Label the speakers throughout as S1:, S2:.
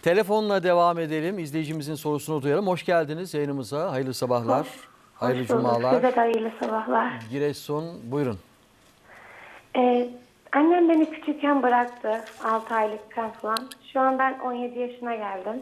S1: Telefonla devam edelim. İzleyicimizin sorusunu duyalım. Hoş geldiniz yayınımıza. Hayırlı sabahlar. Hayırlı
S2: Hoş bulduk.
S1: cumalar.
S2: Size de hayırlı sabahlar.
S1: Giresun, buyurun.
S2: Annem beni küçükken bıraktı. 6 aylıkken falan. Şu an ben 17 yaşına geldim.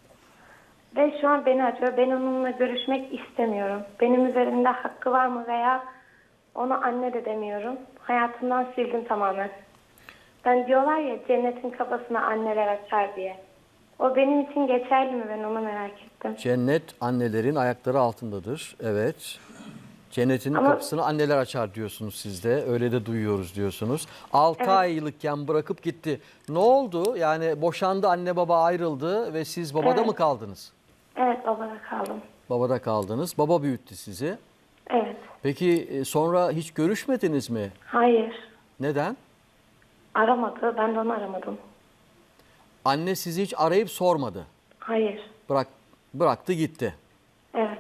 S2: Ve şu an beni arıyor. Ben onunla görüşmek istemiyorum. Benim üzerimde hakkı var mı veya ona anne de demiyorum. Hayatımdan sildim tamamen. Ben diyorlar ya cennetin kapısını anneler açar diye. O benim için geçerli mi, ben onu merak ettim.
S1: Cennet annelerin ayakları altındadır. Evet. Cennetin
S2: Ama-
S1: kapısını anneler açar diyorsunuz siz de. Öyle de duyuyoruz diyorsunuz. 6
S2: Evet.
S1: aylıkken bırakıp gitti. Ne oldu? Yani boşandı, anne baba ayrıldı ve siz babada
S2: Evet.
S1: mı kaldınız?
S2: Evet, babada kaldım.
S1: Babada kaldınız. Baba büyüttü sizi.
S2: Evet.
S1: Peki sonra hiç görüşmediniz mi?
S2: Hayır.
S1: Neden?
S2: Aramadı. Ben de onu aramadım.
S1: Anne sizi hiç arayıp sormadı.
S2: Hayır.
S1: Bıraktı gitti.
S2: Evet.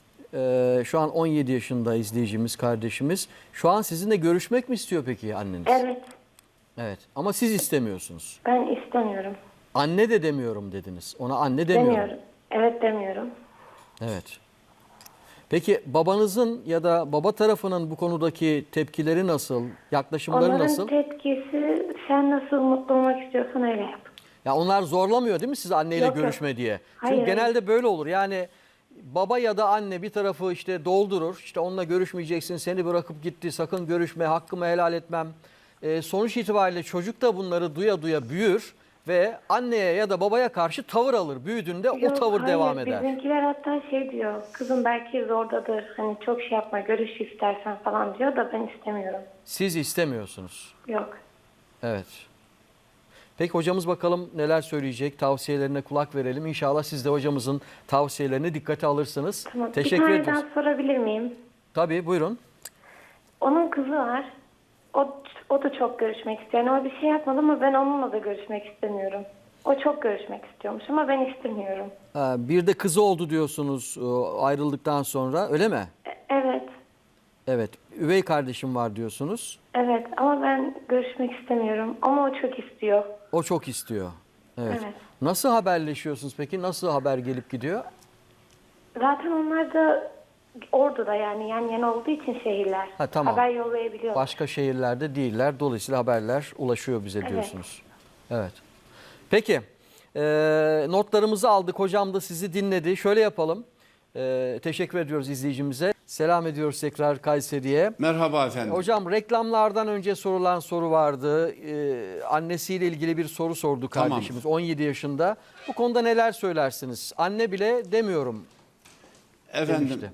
S1: Şu an 17 yaşında izleyicimiz, kardeşimiz. Şu an sizinle görüşmek mi istiyor peki anneniz?
S2: Evet.
S1: Evet. Ama siz istemiyorsunuz.
S2: Ben istemiyorum.
S1: Anne de demiyorum dediniz. Ona anne demiyorum.
S2: Demiyorum. Evet, demiyorum.
S1: Evet. Peki babanızın ya da baba tarafının bu konudaki tepkileri nasıl? Yaklaşımları
S2: Onların
S1: nasıl?
S2: tepkisi, sen nasıl mutlu olmak istiyorsan öyle yap.
S1: Ya onlar zorlamıyor değil mi sizi anneyle
S2: Yok, yok.
S1: görüşme diye?
S2: Hayır,
S1: Çünkü
S2: hayır.
S1: genelde böyle olur. Yani baba ya da anne bir tarafı işte doldurur. İşte onunla görüşmeyeceksin, seni bırakıp gitti, sakın görüşme, hakkımı helal etmem. Sonuç itibariyle çocuk da bunları duya duya büyür ve anneye ya da babaya karşı tavır alır. Büyüdüğünde o
S2: Yok,
S1: tavır
S2: hayır,
S1: devam eder.
S2: Bizimkiler hatta şey diyor, kızım belki zordadır, hani çok şey yapma, görüş istersen falan diyor da ben istemiyorum.
S1: Siz istemiyorsunuz.
S2: Yok.
S1: Evet. Peki hocamız bakalım neler söyleyecek, tavsiyelerine kulak verelim. İnşallah siz de hocamızın tavsiyelerini dikkate alırsınız.
S2: Tamam.
S1: Teşekkür
S2: Bir tane
S1: ediyoruz.
S2: daha sorabilir miyim?
S1: Tabii buyurun.
S2: Onun kızı var. O da çok görüşmek istiyor. Yani o bir şey yapmadı ama ben onunla da görüşmek istemiyorum. O çok görüşmek istiyormuş ama ben istemiyorum.
S1: Bir de kızı oldu diyorsunuz ayrıldıktan sonra, öyle mi?
S2: Evet.
S1: Evet. Üvey kardeşim var diyorsunuz.
S2: Evet ama ben görüşmek istemiyorum. Ama o çok istiyor.
S1: O çok istiyor. Evet.
S2: Evet.
S1: Nasıl haberleşiyorsunuz peki? Nasıl haber gelip gidiyor?
S2: Zaten onlar da Ordu'da, yani yan yana olduğu için şehirler.
S1: Ha, tamam.
S2: Haber yollayabiliyor.
S1: Başka şehirlerde değiller. Dolayısıyla haberler ulaşıyor bize
S2: Evet.
S1: diyorsunuz. Evet. Peki. Notlarımızı aldık. Hocam da sizi dinledi. Şöyle yapalım. Teşekkür ediyoruz izleyicimize. Selam ediyoruz tekrar Kayseri'ye.
S3: Merhaba efendim.
S1: Hocam reklamlardan önce sorulan soru vardı. Annesiyle ilgili bir soru sordu
S3: Tamam.
S1: kardeşimiz 17 yaşında. Bu konuda neler söylersiniz? Anne bile demiyorum
S3: Efendim,
S1: demişti.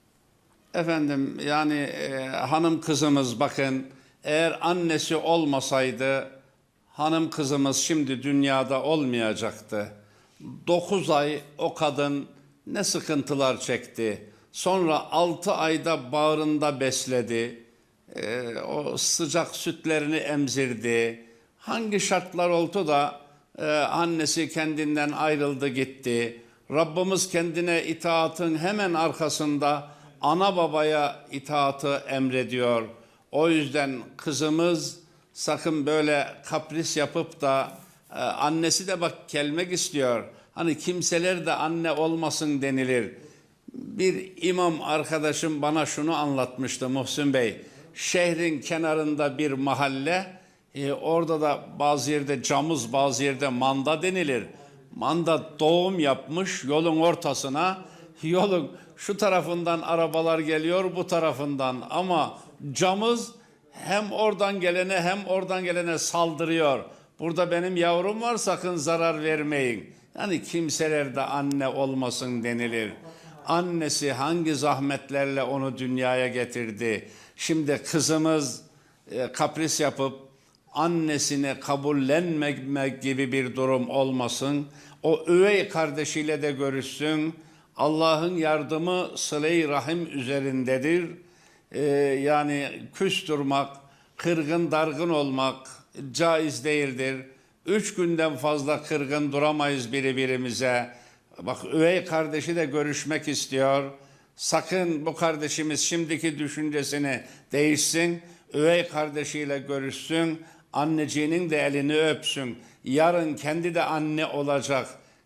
S3: efendim yani hanım kızımız bakın, eğer annesi olmasaydı hanım kızımız şimdi dünyada olmayacaktı. 9 ay o kadın ne sıkıntılar çekti. Sonra 6 ayda bağrında besledi. O sıcak sütlerini emzirdi. Hangi şartlar oldu da annesi kendinden ayrıldı gitti. Rabbimiz kendine itaatın hemen arkasında ana babaya itaatı emrediyor. O yüzden kızımız sakın böyle kapris yapıp da annesi de bak gelmek istiyor. Hani kimseler de anne olmasın denilir. Bir imam arkadaşım bana şunu anlatmıştı Muhsin Bey. Şehrin kenarında bir mahalle, orada da bazı yerde camız, bazı yerde manda denilir. Manda doğum yapmış yolun ortasına, yolun şu tarafından arabalar geliyor, bu tarafından, ama camız hem oradan gelene hem oradan gelene saldırıyor. Burada benim yavrum var, sakın zarar vermeyin. Yani kimseler de anne olmasın denilir. Annesi hangi zahmetlerle onu dünyaya getirdi. Şimdi kızımız kapris yapıp annesini kabullenmemek gibi bir durum olmasın. O üvey kardeşiyle de görüşsün. Allah'ın yardımı sıle-i rahim üzerindedir. Yani küs durmak, kırgın dargın olmak caiz değildir. 3 günden fazla kırgın duramayız birbirimize. Bak, üvey kardeşi de görüşmek istiyor. Sakın bu kardeşimiz şimdiki düşüncesini değişsin. Üvey kardeşiyle görüşsün. Anneciğinin de elini öpsün. Yarın kendi de anne olacak.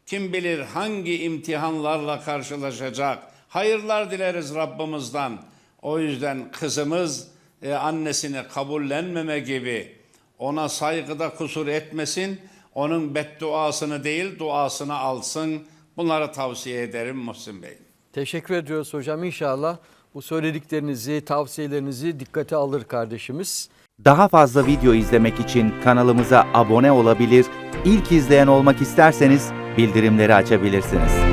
S3: Kim bilir hangi imtihanlarla karşılaşacak. Hayırlar dileriz Rabbimizden. O yüzden kızımız annesini kabullenmeme gibi, ona saygıda kusur etmesin, onun bedduasını değil duasını alsın. Bunları tavsiye ederim Muhsin Bey.
S1: Teşekkür ediyoruz hocam. İnşallah bu söylediklerinizi, tavsiyelerinizi dikkate alır kardeşimiz.
S4: Daha fazla video izlemek için kanalımıza abone olabilir, ilk izleyen olmak isterseniz bildirimleri açabilirsiniz.